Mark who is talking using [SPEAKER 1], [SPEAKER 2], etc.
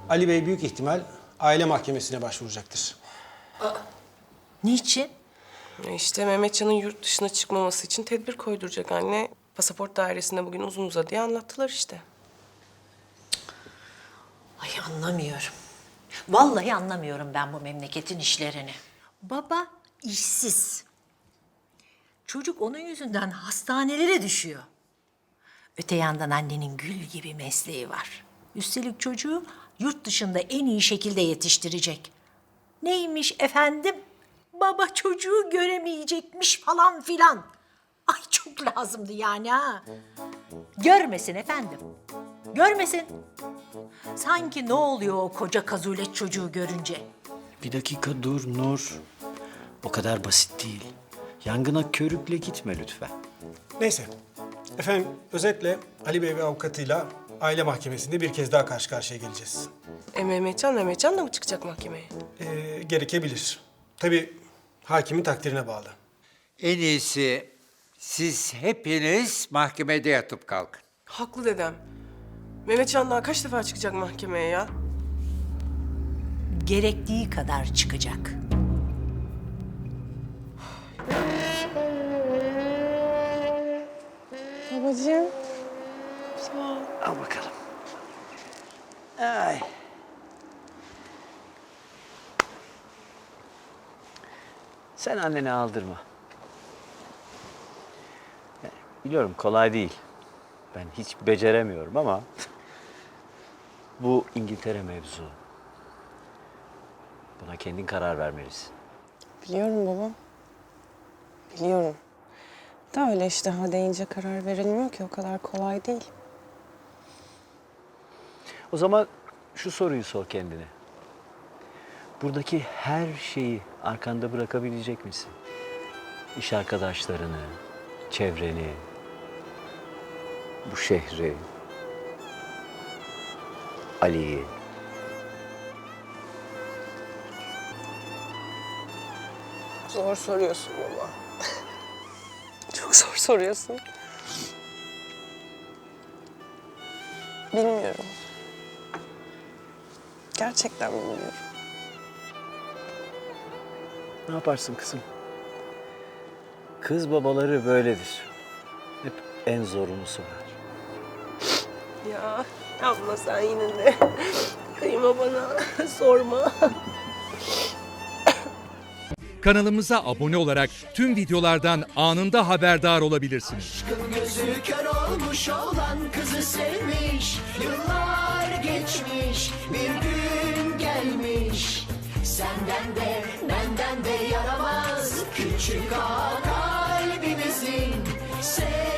[SPEAKER 1] Ali Bey büyük ihtimal aile mahkemesine başvuracaktır.
[SPEAKER 2] Niçin?
[SPEAKER 3] İşte Mehmetcan'ın yurt dışına çıkmaması için tedbir koyduracak anne. Pasaport dairesinde bugün uzun uzadıya anlattılar işte.
[SPEAKER 2] Ay anlamıyorum. Vallahi anlamıyorum ben bu memleketin işlerini. Baba işsiz. Çocuk onun yüzünden hastanelere düşüyor. Öte yandan annenin gül gibi mesleği var. Üstelik çocuğu yurt dışında en iyi şekilde yetiştirecek. Neymiş efendim? Baba çocuğu göremeyecekmiş falan filan. Ay çok lazımdı yani ha. Görmesin efendim. Görmesin. Sanki ne oluyor o koca kazulet çocuğu görünce?
[SPEAKER 4] Bir dakika dur Nur. O kadar basit değil. Yangına körükle gitme lütfen.
[SPEAKER 1] Neyse. Efendim özetle Ali Bey ve avukatıyla aile mahkemesinde bir kez daha karşı karşıya geleceğiz.
[SPEAKER 3] Mehmetcan da mı çıkacak mahkemeye?
[SPEAKER 1] Gerekebilir. Tabii hakimin takdirine bağlı.
[SPEAKER 5] En iyisi siz hepiniz mahkemede yatıp kalkın.
[SPEAKER 3] Haklı dedem. Mehmetcan daha kaç defa çıkacak mahkemeye ya?
[SPEAKER 2] Gerektiği kadar çıkacak.
[SPEAKER 3] Babacığım.
[SPEAKER 4] Al bakalım. Ay. Sen anneni aldırma. Yani biliyorum kolay değil. Ben hiç beceremiyorum ama bu İngiltere mevzu. Buna kendin karar vermelisin.
[SPEAKER 6] Biliyorum baba. Biliyorum. Da öyle işte ha deyince karar verilmiyor ki o kadar kolay değil.
[SPEAKER 4] O zaman şu soruyu sor kendine. Buradaki her şeyi arkanda bırakabilecek misin? İş arkadaşlarını, çevreni, bu şehri, Ali'yi.
[SPEAKER 6] Zor soruyorsun baba. Çok zor soruyorsun. Bilmiyorum. Gerçekten bilmiyorum.
[SPEAKER 4] Ne yaparsın kızım? Kız babaları böyledir. Hep en zorunu sorar.
[SPEAKER 3] Ya abla sen yine de kıyma bana, sorma.
[SPEAKER 7] Kanalımıza abone olarak tüm videolardan anında haberdar olabilirsiniz.
[SPEAKER 8] Gözü kör olmuş olan kızı sevmiş. Yıllar geçmiş, bir gün gelmiş. Senden de benden de yaramaz küçük ağa kalbimizin.